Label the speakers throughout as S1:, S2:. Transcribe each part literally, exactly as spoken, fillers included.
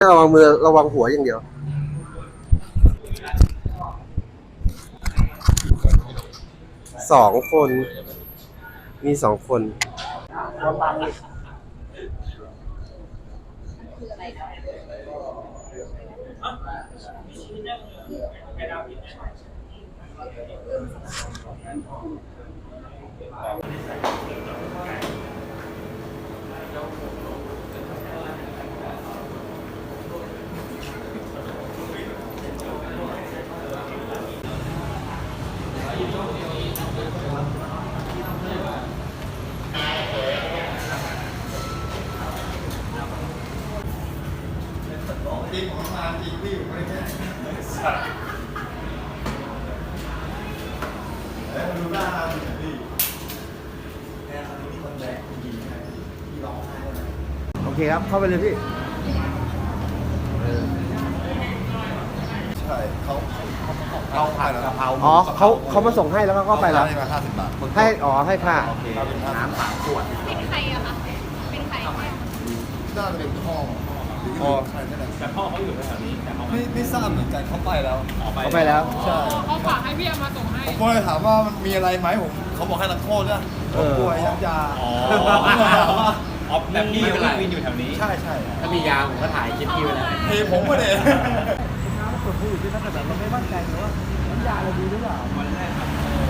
S1: ระวังมือระวังหัวอย่างเดียวสองคนมีสองคน
S2: จริงของมาจริงที่อยู่ไม่แค่แล้วดูหน้าเราดิพี่แค่ตอนนี้มีคนแบกผู้หญิงไงพี่ร้องไห้เลยโอเคครับเข้าไปเลยพี่ใช่เขาเขาผัดกะเพรา
S1: อ๋อเขาเขามาส่งให้แล้วก็ไปแล้ว
S2: ให้มาห้าสิบบาท
S1: ให้อ๋อให้ค่ะ
S2: น้ำสามขวด
S3: เป็นใครอะคะเป็นใครเนี่ย
S2: น่าจะเป็นพ่อพ่อใช่ไหมแต่พ่อเขาอยู่แถวนี้แต่เขาไม่ไม่ทราบเหมือนกันเขาไปแล้ว
S1: เขาไปแล้ว
S2: ใช่
S3: เขาฝากให้พี่เอามาส่งให้
S2: ผมก็เลยถามว่ามันมีอะไรไหมผมเขาบอกให้นักโทษนะผมป่วยยักยา
S4: อ๋ออ๋อแบบพี่เป็นวินอยู่แถวนี้
S2: ใช่ใช่
S4: ถ้ามียาผมก็ถ่ายคลิปพี่ไว้แล้ว
S2: เทผมก็เลย
S1: น้ำกดผู้อยู่ที่นั่นแต่เราไม่มั่นใจว่าน้ำยาเราดีหรือเปล่าวันแรก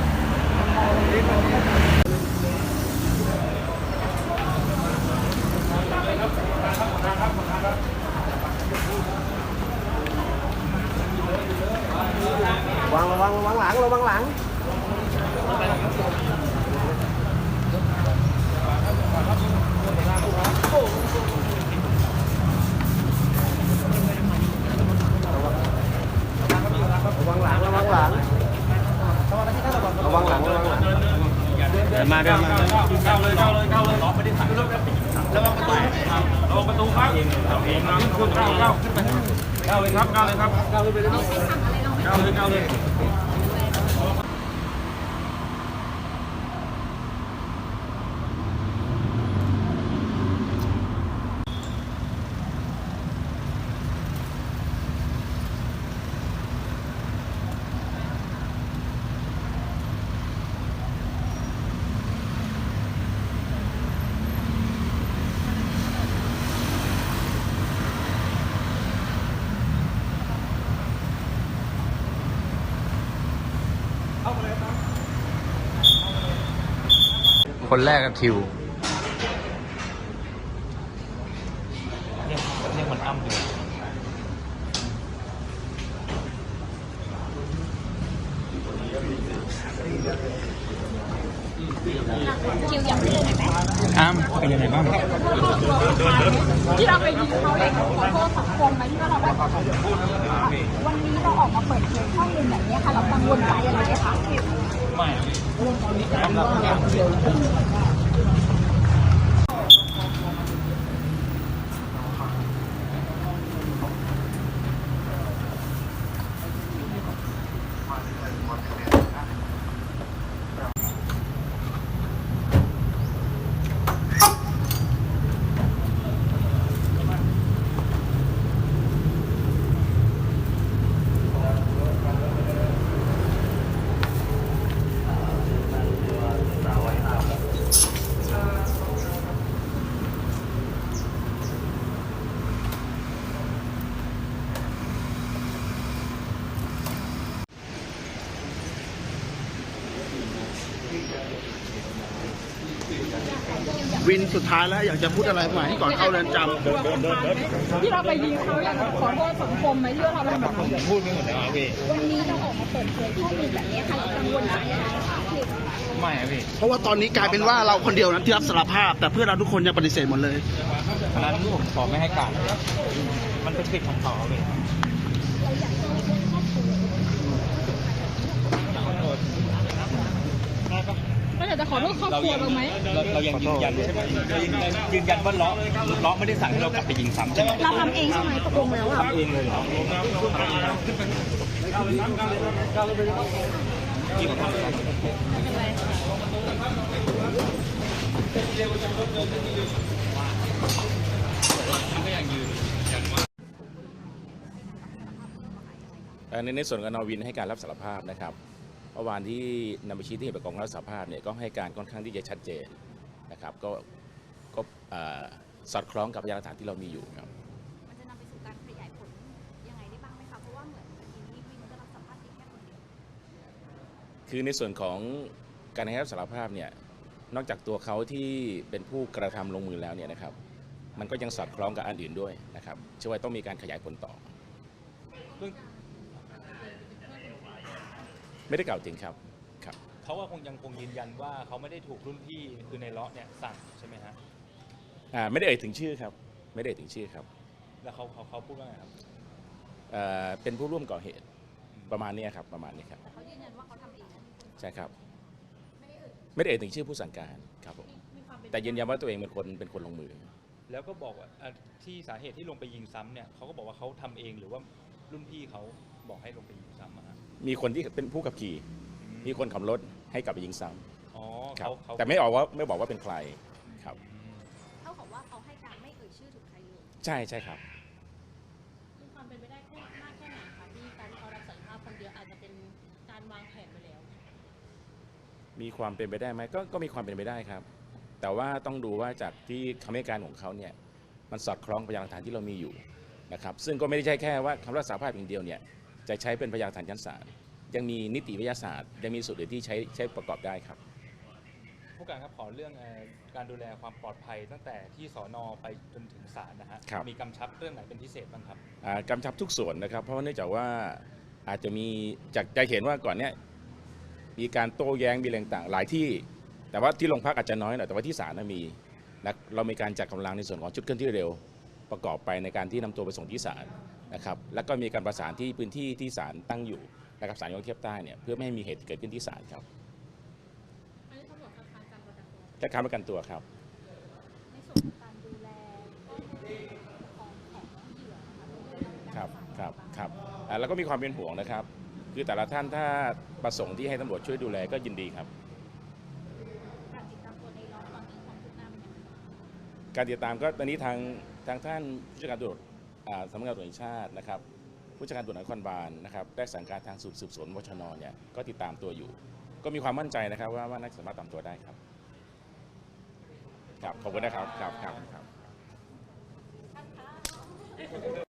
S1: วางระวังระวังหลังระวังหลังระวังหลังระวังหลังระวังหลังระวังหลัง
S4: เดินมาเดินมาก้าวเลยก้าวเลยก้าวเลยล็อกไม่ได้ถ่ายระวังประตูระวังประตูครับเราเองนะคุณก้าวก้าวขึ้นไปก้าวเลยครับก้าวเลยครับก้าวเลยไปเลยก้าวเลยก้าวเลย
S5: คนแรกกับทิว
S4: เรียกเรียกมันอ้ำอยู่
S3: คิวอยากไปเลยไหม
S4: อ้ำเป็นยังไงบ้าง
S3: ที่เราไปยิงเขาเองขอโทษสังคมไหมที่ว่าเราได้ขอโทษวันนี้เราออกมาเปิดเผยข้อมูลแบบนี้ค่ะเรากังวลใจอะไรไหมคะ
S4: ไม่
S5: วินสุดท้ายแล้วอยากจะพูดอะไรไหมก่อนเข้าเรือนจำ
S3: ที่เราไปยิงเขาอยากขอโทษสังคมไหมที่ว่าเราทำแบบนั้น
S4: พูดไม่หมดแล้วพี่
S3: วันนี้เราออกมาเปิดเผยข้อมูลแบบนี้ค่ะเรากังวลใจอะไรคะ
S4: ไม่พี่
S5: เพราะว่าตอนนี้กลายเป็นว่าเราคนเดียวนั้นที่รับสารภาพแต่เพื่อนเราทุกคนยังปฏิเสธหมดเลย
S4: เพราะนั้นผมขอไม่ให้การมันเป็นสิทธิ์ของเขาเลย
S3: ก็อยากจะขอโทษครอบครัวเราไหม
S4: เรายังยืนยันใช่ไหมยืนยันว่าล้อล้อไม่ได้สั่งให้เรากลับไปยิงซ้ำใช่ไหม
S3: เราทำเองใช่ไหมตกลงแล้วอ่ะ
S4: ทำเองเลยเหรอ
S6: เอ่อในในส่วนของนอวินให้การรับสารภาพนะครับเมื่อวานที่นำไปชี้ที่เหตุประกอบการรับสารภาพเนี่ยก็ให้การค่อนข้างที่จะชัดเจนนะครับก็ก็เอ่อสอดคล้องกับพยานหลักฐานที่เรามีอยู่ครับ
S3: มันจะนำไปสู่การขยายผลยังไงได้บ้างไหมคะเพราะว่าเหมือนคดีนี้วินก็รับสัมภาษณ์เพียงแค่คนเดียว
S6: คือในส่วนของการให้รับสารภาพเนี่ยนอกจากตัวเขาที่เป็นผู้กระทำลงมือแล้วเนี่ยนะครับมันก็ยังสอดคล้องกับอันอื่นด้วยนะครับเชื่อว่าต้องมีการขยายผลต่อ ไม่ได้กล่าวถึงครับครับ
S7: เขาก็คงยังคงยืนยันว่าเขาไม่ได้ถูกรุ่นพี่คือในเลาะเนี่ยสั่งใช่ไหมฮะ
S6: อ่าไม่ได้เอ่ยถึงชื่อครับไม่ได้เอ่ยถึงชื่อครับ
S7: แล้วเขาเขาเขาพูดว่าไงครับ
S6: เอ่อเป็นผู้ร่วมก่อเหตุประมาณนี้ครับประมาณนี้ครับ
S3: แต่เขายืนยันว่าเขาทำเองนะ
S6: ใช่ครับ
S3: ไม่ได้เอ่ย
S6: ไม่ได้เอ่ยถึงชื่อผู้สั่งการครับผม
S3: มีความเป็น
S6: แต่ยืนยันว่าตัวเองเป็นคนเป็นคนลงมือ
S7: แล้วก็บอกว่าอ่ะที่สาเหตุที่ลงไปยิงซ้ำเนี่ยเขาก็บอกว่าเขาทำเองหรือว่ารุ่นพี่เขาบอกให้ลงไปยิงซ้ำอะฮะ
S6: มีคนที่เป็นผู้ขับขี่มีคนขับรถให้กลับไปยิงซ้
S7: อ๋อ
S6: ำครับ
S7: เขาเขา
S6: แต่ไม่ออกว่าไม่บอกว่าเป็นใครครับ
S7: อืม
S3: เท่ากับว่าเขาให้การไม่เอ่ยชื่อถึงใครเลย
S6: ใช่ใช่ครับ
S8: มีความเป็นไปได้แค่มากแค่ไหนคะที่การที่เขารับสารภาพคนเดียวอาจจะเป็นการวางแผนไปแล้ว
S6: มีความเป็นไปได้ไหมก็ก็มีความเป็นไปได้ครับ แต่ว่าต้องดูว่าจากที่คำให้การของเขาเนี่ยมันสอดคล้องพยานหลักฐานที่เรามีอยู่นะครับซึ่งก็ไม่ได้ใช่แค่ว่าคำรับสารภาพอย่างเดียวเนี่ยจะใช้เป็นพยานหลักฐานชั้นศาลยังมีนิติวิทยาศาสตร์ยังมีสูตรอื่นที่ใช้ใช้ประกอบได้ครับ
S7: ผู้การครับขอเรื่องเอ่อการดูแลความปลอดภัยตั้งแต่ที่สอนอไปจนถึงศาลนะฮะ
S6: ครับ
S7: มีกำชับเรื่องไหนเป็นพิเศษบ้างครับ
S6: อ่ากำชับทุกส่วนนะครับเพราะว่าเนื่องจากว่าอาจจะมีจากจะเห็นว่าก่อนเนี้ยมีการโต้แย้งมีแรงต่างหลายที่ แต่ว่าที่โรงพักอาจจะน้อยหน่อยแต่ว่าที่ศาลน่ะมีนะเรามีการจัดกำลังในส่วนของชุดเคลื่อนที่เร็วประกอบไปในการที่นำตัวไปส่งที่ศาลนะครับแล้วก็มีการประสานที่พื้นที่ที่ศาลตั้งอยู่นะครับศาลยกเทียบใต้เนี่ยเพื่อไม่ให้มีเหตุเกิดขึ้นที่ศาลครับ
S8: อันนี้ตำรวจคัดค้านการประกันตัว
S6: จะค้ำประกันตัวครับ
S3: ในส่วนของการดูแลก็คือของของเหยื่อนะคะเรื่อง
S6: ครับ
S3: การ
S6: ครับ
S3: ปะสาน
S6: ครับอ่าแล้วก็มีความเป็นห่วงนะครับ คือแต่ละท่านถ้าประสงค์ที่ให้ตำรวจช่วยดูแลก็ยินดีครับ
S3: การติดตามตัวในล้อตอนนี้ความคืบหน้าเป็นยังไงบ้าง
S6: การติดตามก็ตอนนี้ทางทางท่านผู้จัดการตำรวจอ่าสำนักงานตำรวจแห่งชาตินะครับผู้จัดการตำรวจนครบาลนะครับได้สั่งการทางสืบสวนวชนเนี่ยก็ติดตามตัวอยู่ ก็มีความมั่นใจนะครับว่าว่าน่าจะสามารถตามตัวได้ครับครับขอบคุณนะครับครับครับครับ